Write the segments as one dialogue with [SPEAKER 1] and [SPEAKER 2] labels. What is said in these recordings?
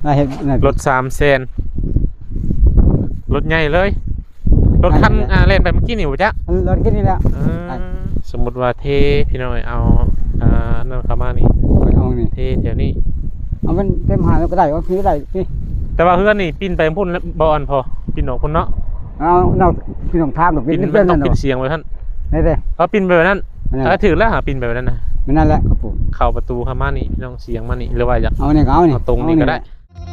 [SPEAKER 1] รถ300,000รถใหญ่เลยรถคันเล่นไปเมื่อกี้นี่บ่จ๊ะ
[SPEAKER 2] รถแค่นี้แหละ
[SPEAKER 1] สมมุติว่าเทพี่น้อยเอานั่นเข้ามานี่
[SPEAKER 2] เอานี่
[SPEAKER 1] เทแถวนี้
[SPEAKER 2] เอามันเต็มหาแล้วก็ได้ว่าพี่ได้พี่
[SPEAKER 1] แต่ว่าเฮือนนี่ปิ้นไปพุ่นบ่อนพอปิ้นออกพุ่นเนาะ
[SPEAKER 2] เอาพี่น้องทามดอก
[SPEAKER 1] ปิ้นมันต้องปิ้นเสียงไว้ท่าน
[SPEAKER 2] นี่เด้
[SPEAKER 1] เอาปิ้นไปแบบนั้นถือแล้วหาปิ้นไปแบบนั้นนะ
[SPEAKER 2] มันนั่นแหละครับผม
[SPEAKER 1] เข้าประตูเข้ามานี่พี่น้องเสียงมานี่หรือว่าอยาก
[SPEAKER 2] เอานี่เอานี่
[SPEAKER 1] ตรงนี้ก็ได้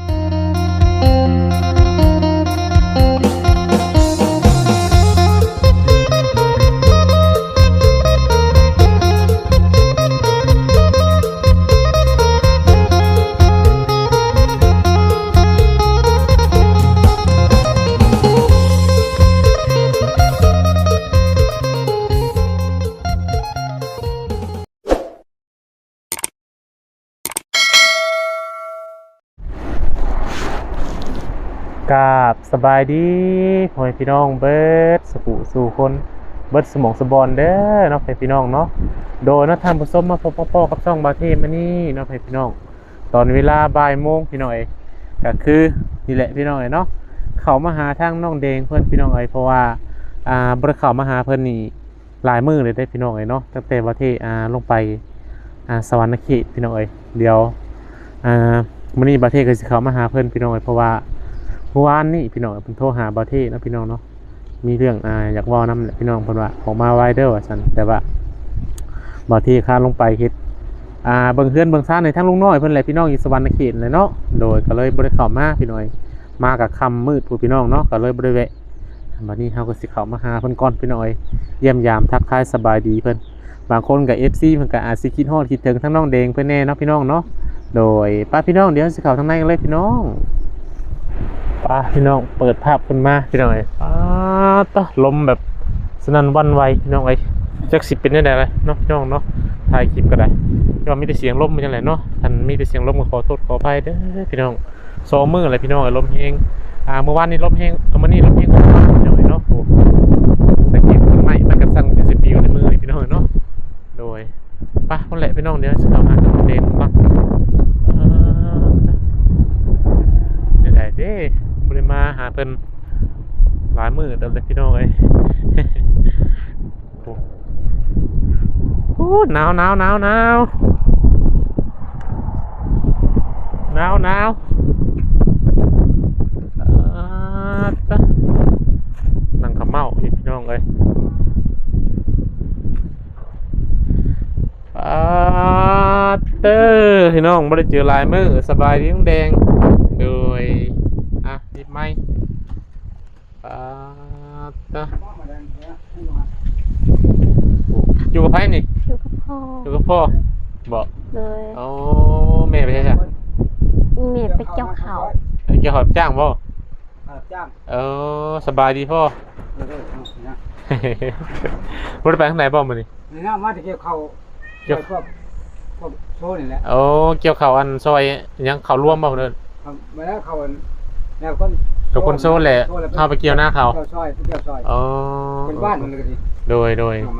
[SPEAKER 1] กราบสบายดีพ่อแม่พี่น้องเบิดสกุสู่คนเบิดสมองสบอนเด้อเนาะพี่น้องเนาะโดยท่านผู้ชมมาพบพ่อกับช่องบาเทมานี่เนาะพี่น้องตอนเวลาบ่ายโมงพี่น้องก็คือนี่แหละพี่น้องเนาะเขามาหาทางน้องแดงเพื่อนพี่น้องเพราะว่าบริเขามาหาเพื่อนนี่หลายมื้อเลยได้พี่น้องเนาะตั้งแต่บาเทลงไปสวรรค์เขตพี่น้องเดี๋ยวมื้อนี้บาเทก็สิเขามาหาเพื่อนพี่น้องเพราะว่าเมื่อวานนี่พี่น้องเพิ่นโทรหาบ่าวเทนะพี่น้องเนาะมีเรื่องอยากเว้านำแหละพี่น้องเพิ่นว่าออกมาไวเด้อว่าซั่นแต่ว่าบ่าวเทข้าลงไปเฮ็ดเบิ่งเฮือนเบิ่งซ่านในทางลุงน้อยเพิ่นแหละพี่น้องอยู่สวรรค์เขตเลยเนาะโดยก็เลยบ่ได้เข้ามาพี่น้อยมากับค่ำมืดผู้พี่น้องเนาะก็เลยบ่ได้แวะบัดนี้เฮาก็สิเข้ามาหาเพิ่นก่อนพี่น้อยเยี่ยมยามทักทายสบายดีเพิ่นบางคนก็ FC เพิ่นก็อาจสิคิดฮอดคิดถึงทั้งน้องแดงเพิ่นแน่เนาะพี่น้องเนาะโดยป้าพี่น้องเดี๋ยวสิเข้าทางในกันเลยพี่น้องพี่น้องเปิดภาพขึ้นมาพี่น้องต่อลมแบบสนั่นวันไหวพี่น้องจักสิเป็นยังไงเลยเนาะพี่น้องเนาะถ่ายคลิปก็ได้ก็มีแต่เสียงลมมันจังไงเนาะท่านมีแต่เสียงลมก็ขอโทษขออภัยเด้อพี่น้อง2 มื้ออะไรพี่น้องลมแห้งเมื่อวานนี้ลมแห้งมื้อนี้ลมแห้งพี่น้องเนาะโอ้สังเกตมันใหม่มันกันสั่นเป็น10 ปีในมือพี่น้องเนาะโดยคนแหละพี่น้องเดี๋ยวจะเข้าหาน้องเดนก่อนเด้บริมาหาเพิ่นหลายมื้อเดิมเลยพี่น้องโอ้หนาวนั่งขมเมาอยู่พี่น้องเต้อพี่น้องไม่ได้เจอหลายมื้อสบายดีน้องแดงโดยนิดไหมอยู่กับไพ่นี่อยู่กับพ่อบอกเลยโอ้แม่ไปใช่ไหม
[SPEAKER 3] แม่ไปเกี่ยวเขา
[SPEAKER 1] เกี่ยวข้าวจ้างบ่สบายดีพ่อรถไปข้างไหนบ่มื้อนี้
[SPEAKER 2] นี่นะมาที่เกี่ยวเขาโซ่นี่แหละ
[SPEAKER 1] เกี่ยวข้าวอันซอยยังข้าวรวมบ่เด้อ
[SPEAKER 2] มาแล้วเขาแนวคน
[SPEAKER 1] กับคนโซ่แหละเข้าไปเกี่ยวหน้าเขา
[SPEAKER 2] ซอยเป็นบ้านมันเลย
[SPEAKER 1] โดย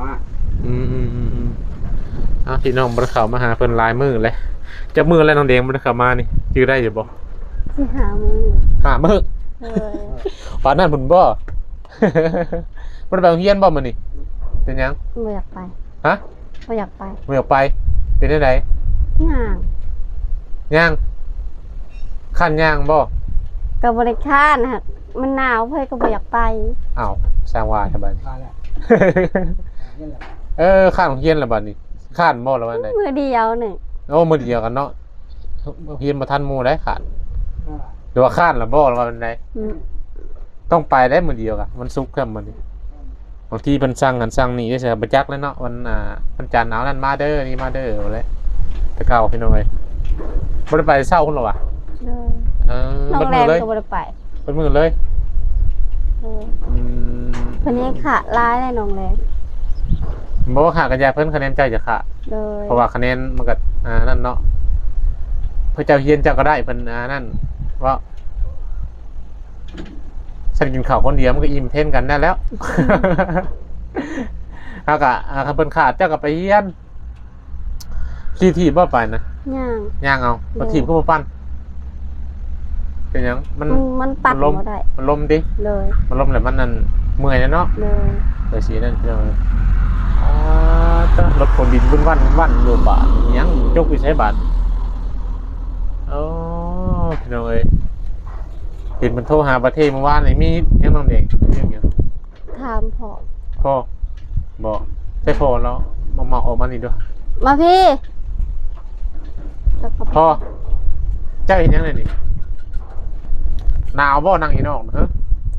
[SPEAKER 1] พี่น้องบริเขามาหาเพิ่นลายมือเลยจะมืออะไรน้องแดงบริเขามานี่ชื่อได้อยู่บ่
[SPEAKER 3] สิหามือ
[SPEAKER 1] ป่านนั้นบุญบ่มันไปเฮียนบ่มันนี่เป็นยัง
[SPEAKER 3] ไม่อยากไป
[SPEAKER 1] ฮะ
[SPEAKER 3] ไม่อยากไป
[SPEAKER 1] เป็นได้ไหนย่างขั้นย่างบ่
[SPEAKER 3] กับบริค่านะมันหนาวเพื่อนก็ไม่อยากไป
[SPEAKER 1] อ้าวสร้างว่าทำไมข้านของเฮียนละบัดนี้ข้านบ่ละบัดไหน
[SPEAKER 3] มือเดียวหนึ่ง
[SPEAKER 1] มือเดียวกันเนาะเฮียนมาทันมูได้ขาดหรือว่าข้านละบ่ละบัดไหนต้องไปได้มือเดียวกันมันซุกแค่มันบางทีมันสั่งกันสั่งนี่ได้ใช่ประจักษ์แล้วเนาะวันจันทร์หนาวนั่นมาเด้อนี่มาเด้อเลยตะเก่าพี่น้องเลยบ่ได้ไปเศร้าคุณหรอวะ
[SPEAKER 3] น้องแรงก็บ่ได้ไป
[SPEAKER 1] เป็นมือเลย
[SPEAKER 3] คนนี้ขาดร้ายเลยน้องแรง
[SPEAKER 1] บอกว่าขากันยาเพิ่นคะแนนใจจะขาเพราะว่าคะแนนมันก็นั่นเนาะเพื่อเจ้าเฮียนเจ้าก็ได้เพิ่นนั่นว่าฉันกินข้าวคนเดียวมันก็อิ่มเท่นกันได้แล้วเอากะเพิ่นขาดเจ้าก็ไปเฮียนขี่ทีบบ่ไปนะย่างเอาทีบก็บ่ปั้นเป็นหยัง
[SPEAKER 3] มันปัด
[SPEAKER 1] ลม
[SPEAKER 3] บ่ได้
[SPEAKER 1] มันลมดิ
[SPEAKER 3] เลย
[SPEAKER 1] มันลมแล้วมันนั่นเมื่อยแล้วเนาะ
[SPEAKER 3] เลย
[SPEAKER 1] ไปสีนั่นพี่น้องจ้ารถคนดินวันอยู่บาทยังจกไปใช้บาทโอ้พี่น้องเอ้ยเห็นมันโทรหาประเทศเมื่อวานนี่มียังน้องเด็กยัง
[SPEAKER 3] ถามพ่อ
[SPEAKER 1] พ่อบอกใช่พ่อแล้วมาออกมานี่ด้วย
[SPEAKER 3] มาพี่แล้วก็
[SPEAKER 1] พ่อเจ้าเห็นยังไงนี่หนาวบ่นั่งอีนอกนะฮะ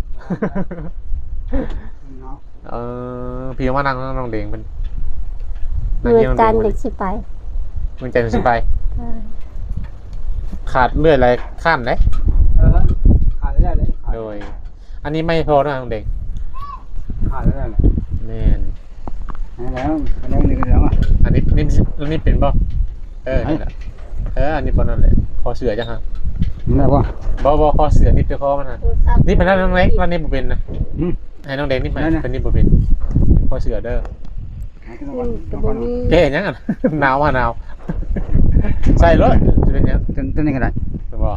[SPEAKER 1] พี่ว่านั่งน้องเด็กเป็น
[SPEAKER 3] มือจันทร์เด็กสิไป
[SPEAKER 1] มึงใจสิไป
[SPEAKER 3] ใช่
[SPEAKER 1] ขาดเลือดอะไรขั้นเลย
[SPEAKER 2] ขาดได้เลย
[SPEAKER 1] โดยอันนี้ไม่พอนะน้องเด็ก
[SPEAKER 2] ขาดได้เลย
[SPEAKER 1] แน่น
[SPEAKER 2] แล้วนี่ก็แล้วอ่ะ
[SPEAKER 1] อันนี้เป็นบ่นี่แหละอันนี้เป็นนั่นแหละคอเสือจังฮะ
[SPEAKER 2] ได้ป่ะ
[SPEAKER 1] บ่คอเสือนี่เป็นคอมันฮะนี่เป็นน้องเล็กวันนี้บ่เป็นนะให้น้องเด็กนี่เป็นนี่บ่เป็นคอเสือเด้อ
[SPEAKER 3] ก็บ่มี
[SPEAKER 1] เจ๊เห็นยังอ่ะ หนาวหนาวใส่รถจะเป็นยัง
[SPEAKER 2] ตัวนี้ก็ได้
[SPEAKER 1] จะบอก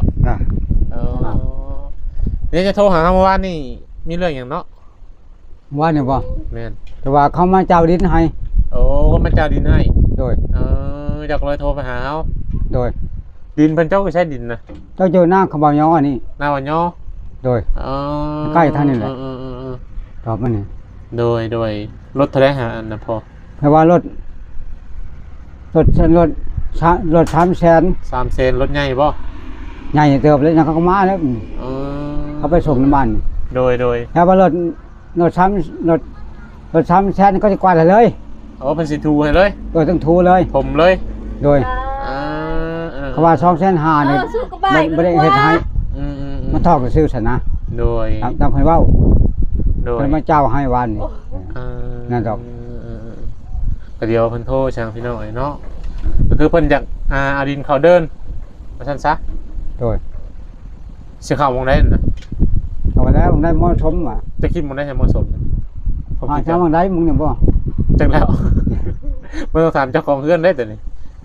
[SPEAKER 1] นี่จะโทรหาเมื่อวานนี่มีเรื่องอย่างเนาะ
[SPEAKER 2] ว่าเนี่ยป่ะ
[SPEAKER 1] แม่น
[SPEAKER 2] แต่ว่าเขามาเจ้าดินให้
[SPEAKER 1] โอ้ก็มาเจ้าดินให้
[SPEAKER 2] โดย
[SPEAKER 1] อยากเลยโทรไปหาเขา
[SPEAKER 2] โดย
[SPEAKER 1] ดินเพิ่นเจ้าก็ใช้ดินนะ
[SPEAKER 2] เจ้าเจอหน้าขบวนย้อนี่
[SPEAKER 1] หน้าวันย่อ
[SPEAKER 2] โดย ใกล้ท่านนี่แหละ ตอบมาเนี่ย
[SPEAKER 1] โดยรถทะเลหาอันนะพอ
[SPEAKER 2] แปลว่ารถ300,000
[SPEAKER 1] 3 เซนรถใหญ่ป่ะ
[SPEAKER 2] ใหญ่เติบเลยนะเขาก็มาแล้วเขาไปส่งน้ำมัน
[SPEAKER 1] โดย
[SPEAKER 2] แปลว่ารถ300,000ก็จะกวาดเลย
[SPEAKER 1] โอ้เป็นสีทูให้เลย
[SPEAKER 2] โดยต้องทูเลย
[SPEAKER 1] ผมเลย
[SPEAKER 2] โดยเขาว่า2,500,000เนี่ยไม่ได้เฮ็ดให้มันทอกซื้อซะนะ
[SPEAKER 1] โดย
[SPEAKER 2] ตามเพิ่นเว้า
[SPEAKER 1] โดย
[SPEAKER 2] เพิ่นมาเจ้าให้วันนี่ นั่นดอก
[SPEAKER 1] ก็เดี๋ยวเพิ่นโทรช่างพี่น้อยเนาะก็คือเพิ่นอยากเอาดินเขาเดินมาซั่นซะ
[SPEAKER 2] โดย
[SPEAKER 1] สิเข้าวงได้น่ะ
[SPEAKER 2] เอาไปแล้วมึงได้เหมาะสมว่ะ
[SPEAKER 1] จะคิดวงได้ให้เหมาะสมผม
[SPEAKER 2] หา
[SPEAKER 1] คิด
[SPEAKER 2] เจ้ามึงได้มึงเนี่ยบ่
[SPEAKER 1] จังแล้ว บ่ต้องถามเจ้าของเฮือนได้ตัวนี้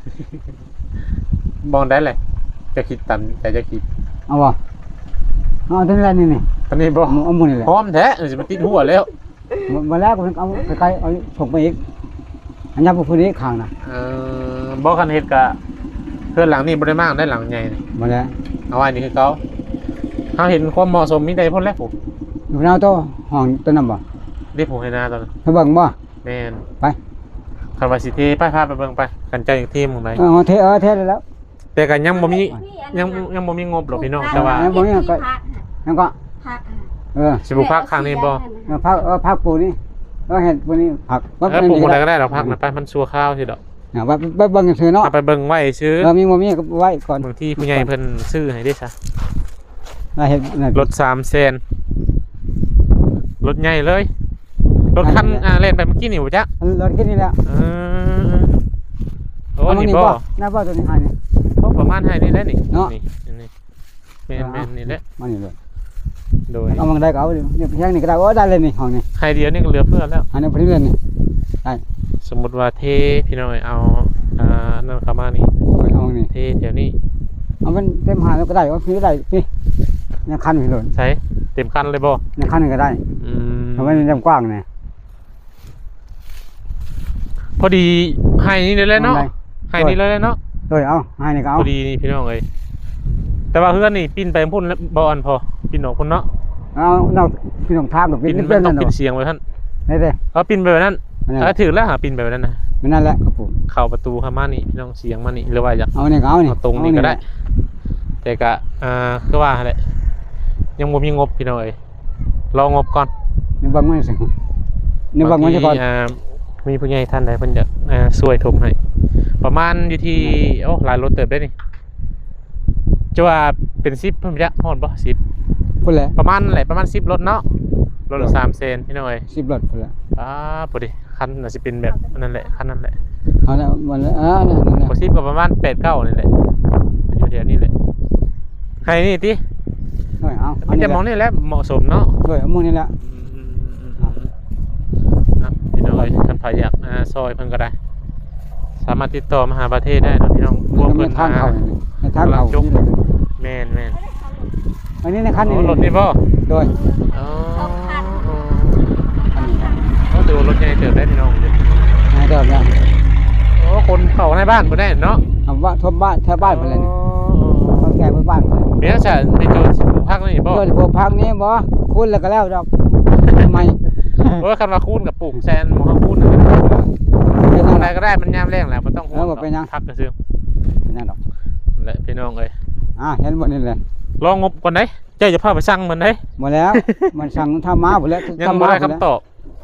[SPEAKER 1] มองได้เลยจะคิดตามแต่จะคิด
[SPEAKER 2] เอาบ่เอาตัวนี้แหละนี่
[SPEAKER 1] ตอนนี้บ่
[SPEAKER 2] เอามือนี่แหละ
[SPEAKER 1] พร้อมแท้สิมันติดหัวแล้ว
[SPEAKER 2] มาแล้วก็เอาใกล้ๆเอาส่งไปอีกอันนี้บ่พื้นนี้ข้างน่ะ
[SPEAKER 1] บ่คันเฮ็ดกะเพื่อนหลังนี่บ่ได้มากได้หลังใหญ่นี่
[SPEAKER 2] มาแล้ว
[SPEAKER 1] เอาไว้นี่คือเก่าเฮาเห็นความเหมาะสมมีได้พ้นแล้วผม
[SPEAKER 2] อยู่เอาตัวห้องตัวนั้นบ่
[SPEAKER 1] เรียกผมให้หน้าตอนนั้น
[SPEAKER 2] ไปเบิ่งบ่
[SPEAKER 1] แม่น
[SPEAKER 2] ไป
[SPEAKER 1] คันว่าสิเทไปพาไปเบิ่งไปกันเจ้าอย่างทีมของไหน
[SPEAKER 2] เทได้แล้ว
[SPEAKER 1] แต่ก็ยังบ่มียังบ่มีงบหรอกพี่น้องแต่ว่า
[SPEAKER 2] บ่มีก็ยังก็
[SPEAKER 3] ผัก
[SPEAKER 1] สิบ่พักข้างนี้บ่
[SPEAKER 2] พักปูนี่เห็ดปูนี่ผัก
[SPEAKER 1] ปลูกบ่ได้ก็ได้ดอกพักนะไปมันชั่วข้าวสิดอก
[SPEAKER 2] ว่าเบิ่งซื่อเนาะ
[SPEAKER 1] เอาไปเบิ่งไว้ซื้อ
[SPEAKER 2] มีบ่มีก็ไว้ก่อน
[SPEAKER 1] บางที่ผู้ใหญ่เพิ่นซื้อให้ได้ซะ
[SPEAKER 2] เฮ็ด
[SPEAKER 1] รถ3เซนรถใหญ่เลยรถคันเล่นไปเมื่อกี้นี่บ่จ๊ะ
[SPEAKER 2] รถแค่นี้แหละ
[SPEAKER 1] โอ้นี่บ่
[SPEAKER 2] น่าบ่ตัวนี้ให้นี่
[SPEAKER 1] ประมาณให้นี่แหละนี่
[SPEAKER 2] เนาะ
[SPEAKER 1] นี่แม่นนี่แหละ
[SPEAKER 2] มานี่เลย
[SPEAKER 1] โดย
[SPEAKER 2] เอามันได้ก็เอาเนี่ยแพงนี่ก็ได้ได้เลยนี่ห้องนี่
[SPEAKER 1] ให้เดียวนี่ก็เหลือเพื่อแล้ว
[SPEAKER 2] อันนี้พอดีเลยนี่
[SPEAKER 1] สมมุติว่าเทพี่น้อยเอานั่นเข้ามานี่
[SPEAKER 2] เอานี่
[SPEAKER 1] เทแถวนี้
[SPEAKER 2] เอามันเต็มหาแล้วก็ได้ว่าพี่ได้พี่เนี่ยคันนี่เลย
[SPEAKER 1] ใช้เต็มคันเลยบ่
[SPEAKER 2] เนี่ยคันนี่ก็ได้ทำไมมันกว้างเนี่ย
[SPEAKER 1] พอดีให้นี่เลยเนาะให้นี่เลยเนาะ
[SPEAKER 2] โดยเอาให้นี่ก็เอา
[SPEAKER 1] พอดีนี่พี่น้องเอ้ยแต่ว่าเฮือนนี่ปิ้นไปพุ่นแล้วบ่อันพอปิ้นออกพุ่นเนาะ
[SPEAKER 2] เอาเราพี่ต้องทามดอก
[SPEAKER 1] ปิ้น
[SPEAKER 2] ปิ้น
[SPEAKER 1] มั
[SPEAKER 2] เป็น น
[SPEAKER 1] ต้อ
[SPEAKER 2] นั่
[SPEAKER 1] ง
[SPEAKER 2] น
[SPEAKER 1] ปิ้นเสียงไว้ท่าน
[SPEAKER 2] นี่เด้
[SPEAKER 1] เอาปิ้นไปแบบนั้นถือแล้วหาปิ้นไปแบบนั้นนะ
[SPEAKER 2] มันนั่นแหละครับผม
[SPEAKER 1] เข้าประตูเข้ามานี่พี่น้องเสียงมานี่หรือว่าอยาก
[SPEAKER 2] เอานี่ก็เอานี่
[SPEAKER 1] เอาตรงนี้ก็ได้ แต่ก็คือว่าแหละยังบ่มีงบพี่น้องเอ้ยรองบก่อน
[SPEAKER 2] นี่บังมันสินี่บังมันจะก่อน
[SPEAKER 1] มีผู้ใหญ่ท่านใดเพิ่นจะช่วยถมให้ประมาณอยู่ที่โอ้หลายรถเติบได้นี่จะว่าเป็น10เพิ่นจะฮอดบ่10
[SPEAKER 2] พูดเลย
[SPEAKER 1] ประมาณแหละประมาณ10รถเนาะรถละ3เซนพี่น้องเอ้ย
[SPEAKER 2] 10 รถพูดเลย
[SPEAKER 1] พอดีคันน่ะสิเป็นแบบนั่นแหละคันนั้นแหละ
[SPEAKER 2] เอาแล้วมันนั่น
[SPEAKER 1] บ่10ก็ประมาณ8 9นี่แหละอยู่แถวนี้แหละให้นี่ติ
[SPEAKER 2] เอา
[SPEAKER 1] มันจะมองนี่แหละเหมาะสมเนาะ
[SPEAKER 2] ด้วยเอามือนี่แหละ
[SPEAKER 1] พี่น้องเอ้ยท่านพาอยากซอยเพิ่นก็ได้ สามารถติดต่อมาหาประเทศได้นะพี่น้องพวกเพิ่น
[SPEAKER 2] ทางเขาในทางเขา
[SPEAKER 1] แม่น
[SPEAKER 2] อันนี้ในคันนี้
[SPEAKER 1] รถนี่บ่
[SPEAKER 2] โดย
[SPEAKER 1] อ๋อ
[SPEAKER 2] อันนี้
[SPEAKER 1] ก็ถือว่ารถใหญ่เติบได้พี่น้อง
[SPEAKER 2] นายเดิมเนี่ย
[SPEAKER 1] โอ้คนเข้าในบ้านบ่ได้เนาะ
[SPEAKER 2] คำว่าทบบ้านแถวบ้านไปเลยนี่เขาแก่ไปบ้านไป
[SPEAKER 1] เมียฉันไปเจอสิบพักนี่บ่
[SPEAKER 2] โดยพวกพักนี้บ่คุณแล้วก็แล้วดอกทำไม
[SPEAKER 1] เพราะว่าคันว่าคูนกับปลูกแซนหมอเขาคูนเป็นอะไรก็ได้มันยามแรงแหละมันต้องพักกระซื้อ
[SPEAKER 2] นั่นดอก
[SPEAKER 1] แหละพี่น้องเอ้ย
[SPEAKER 2] เห็นหมดนี่เลย
[SPEAKER 1] ลองงบก่อนได้เจ้าจะพาไปสั่งมันได้
[SPEAKER 2] หมดแล้ว มันสั่งทำมาหมดแล้ว
[SPEAKER 1] ยังไม่ได้คำตอบ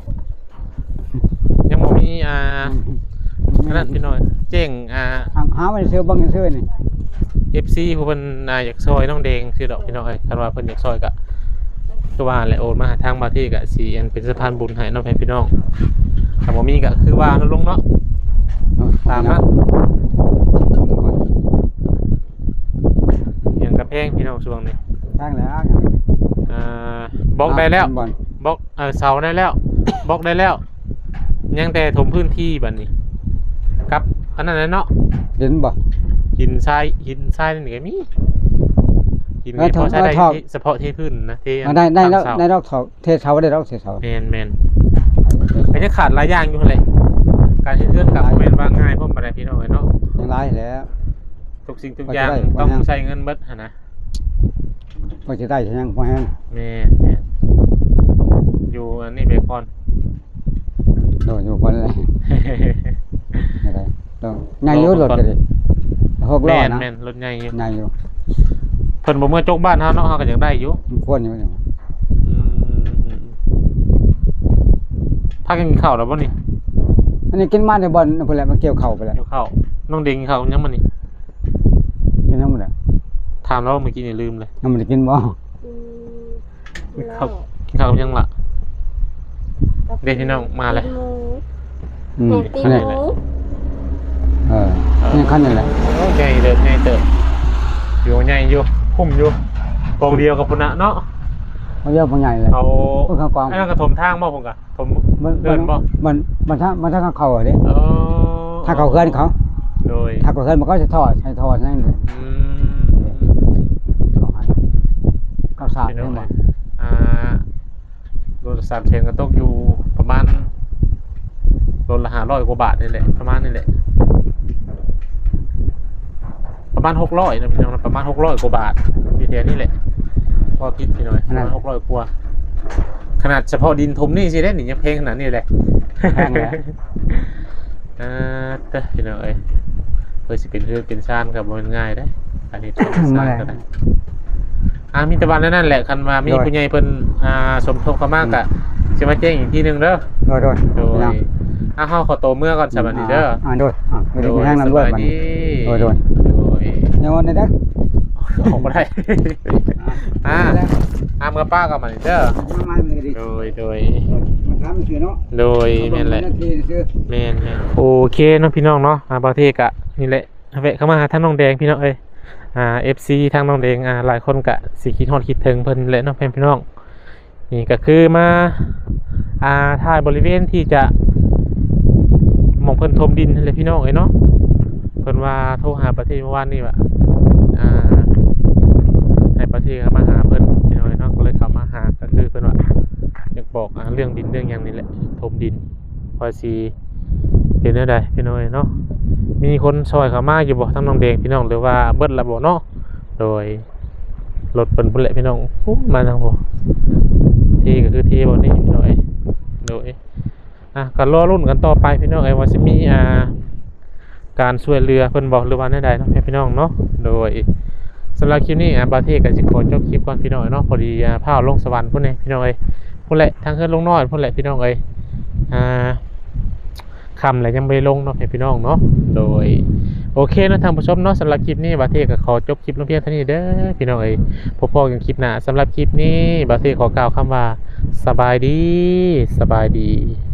[SPEAKER 1] ยังไม่มีนั่นพี่น้อยเจ้ง
[SPEAKER 2] หาไม่ซื้อบังซื้อนี่
[SPEAKER 1] FC ผู้เพิ่นอยากซอยน้องแดงคือดอกพี่น้อยคันว่าเพิ่นอยากซอยกะตัวว่าแหละโอนมาทางมาที่กะสิเป็นสะพานบุญให้น้องพี่น้องถ้าบ่มีก็คือว่าลงเนาะตามนั้นอย่างกระแพงพี่น้องช่วงนี้
[SPEAKER 2] แพงแล้ว
[SPEAKER 1] บล็อกได้แล้วบล็อกเสาได้แล้วบล็อกได้แล้วยังแต่ถมพื้นที่บัดนี้กับอันนั้นเนาะ
[SPEAKER 2] เห็นบ่
[SPEAKER 1] หินทรายนี่ก็มีหินนี่พอใช้ได้เฉพาะที่พื้นนะที่
[SPEAKER 2] ได้แล้วได้ดอกเทเสาได้ดอกเทเสา
[SPEAKER 1] แมนมันจะขาดหลายอย่างอยู่เลยการที่เลื่อนกับแมนว่าง่ายเพราะอะไรพี่น้องเนาะ
[SPEAKER 2] ยังไรแล้ว
[SPEAKER 1] ทุกสิ่งทุกอย่างต้องใช้เงินเบิดนะ
[SPEAKER 2] พอจะได้ใช่ยังพอแห้ง
[SPEAKER 1] แมนอยู่อันนี้เบคอน
[SPEAKER 2] โดนอยู่คนเลยอะไรต้องง่ายยุ่รถเลย6 ล้อนะ
[SPEAKER 1] แมนรถใหญ่อยู่
[SPEAKER 2] ง่ายอยู่
[SPEAKER 1] เพิ่นบ่เมื่อจกบ้านเฮาเนาะเฮาก็ยังได้อยู่
[SPEAKER 2] ควรอยู่
[SPEAKER 1] พักกินข้าวแล้วบ่นี่
[SPEAKER 2] อันนี้กินมาในบ่อนพุ่นแหละมันเกี่ยวเข่าไปแล้ว
[SPEAKER 1] เกี่ยวข้าวน้องเด้งข้าวยังมันนี่
[SPEAKER 2] กินน้ำมันอ่ะ
[SPEAKER 1] ถามแล้วเมื่อกี้นี่ลืมเลย
[SPEAKER 2] น้ำมันกินบ่
[SPEAKER 1] กินข้าวยังล่ะเด็กพี่น้องมาเลย
[SPEAKER 3] ตีหมู
[SPEAKER 2] นี่ขั้นนี่แหละ
[SPEAKER 1] ใหญ่เติบอยู่ใหญ่อยู่คุ้มอยู่กองเดียวกับพุ่นน่ะเนาะ
[SPEAKER 2] เขาเยอะบ่ใหญ่เลย
[SPEAKER 1] เอาไอ้นั่นก็ถมทางบ่พุ่นก็ถมเดินบ่
[SPEAKER 2] มันถ้าเขาอ่ะดิถ้าเขาเคลื่อนเขา
[SPEAKER 1] โดย
[SPEAKER 2] ถ้าเขาเคลื่อนมันก็จะทอดใช้ทอดนั่นเลยข้าวสารใช่ไหม
[SPEAKER 1] รถ3 เชนก็ตกอยู่ประมาณรถละ500 กว่าบาทนี่แหละประมาณนี่แหละประมาณ600นะพี่น้องประมาณ600 กว่าบาทอยู่แถวนี้แหละพอคิดพี่น้อยประมาณ600 กว่าขนาดเฉพาะดินถมนี่สิได้หนิยังเพลงขนาดนี้แหละ
[SPEAKER 2] แพงแล้ว
[SPEAKER 1] พี่น้อยเพื่อสิเป็นเพื่อเป็นชานกับมันง่ายได้อันนี้ทำชานก็ได้มีตะวันนั่นแหละคันมามีผู้ใหญ่เพิ่นสมทบเข้ามากะจะมาแจ้งอีกทีนึงเด้อ
[SPEAKER 2] โดย
[SPEAKER 1] เฮาขอโตเมื่อก่อนสวัสดีเด้อ
[SPEAKER 2] โดยไม่ได้แห้งน้ำด้วยมันโดยยังวันนี้เด้อ
[SPEAKER 1] ของบ่ได้เมื่อป้ากับมันเด้อโดยโดยแม่นแหละแม่นโอเคเนาะพี่น้องเนาะบางทีกะนี่แหละแวะเข้ามาหาท่านน้องแดงพี่น้องเอ้ยFC ทางน้องแดงหลายคนกะสิคิดฮอดคิดถึงเพิ่นแหละเนาะพี่น้องนี่ก็คือมาถ่ายบริเวณที่จะมองเพิ่นถมดินเลยพี่น้องเอ้ยเนาะเพิ่นว่าโทรหาประเทศเมื่อวานนี้ว่าให้ประเทศเข้ามาหาเพิ่นพี่น้องเนาะก็เลยเข้ามาหาก็คือเพิ่นว่าอยากบอกเรื่องดินเรื่องอย่างนี้แหละถมดินพอสิเป็นได้ใดพี่น้องเนาะมีคนซอยเข้ามาอยู่บ่ทั้งน้องแดงพี่น้องหรือว่าเบิดละบ่เนาะโดยรถเพิ่นพุ่นแหละพี่น้องมาทางบ่ที่ก็คือที่บ่นี่พี่น้องโดยก็รอรุ่นกันต่อไปพี่น้องว่าสิมีการช่วยเหลือเพิ่นบ่หรือว่าใดๆเนาะพี่น้องเนาะโดยสำหรับคลิปนี้บาเทก็สิขอจบคลิปก่อนพี่น้องเนาะพอดีพาลงสวรรค์พุ่นนี่พี่น้องพุ่นแหละทางขึ้นลงน้อยพุ่นแหละพี่น้องคำอะไรยังไม่ลงเนาะพี่น้องเนาะโดยโอเคนะทางผู้ชมเนาะสำหรับคลิปนี้บาเทก็ขอจบคลิปลงเพียงเท่านี้เด้อพี่น้องพบกันคลิปหน้าสำหรับคลิปนี้บาเทขอกล่าวคำว่าสบายดี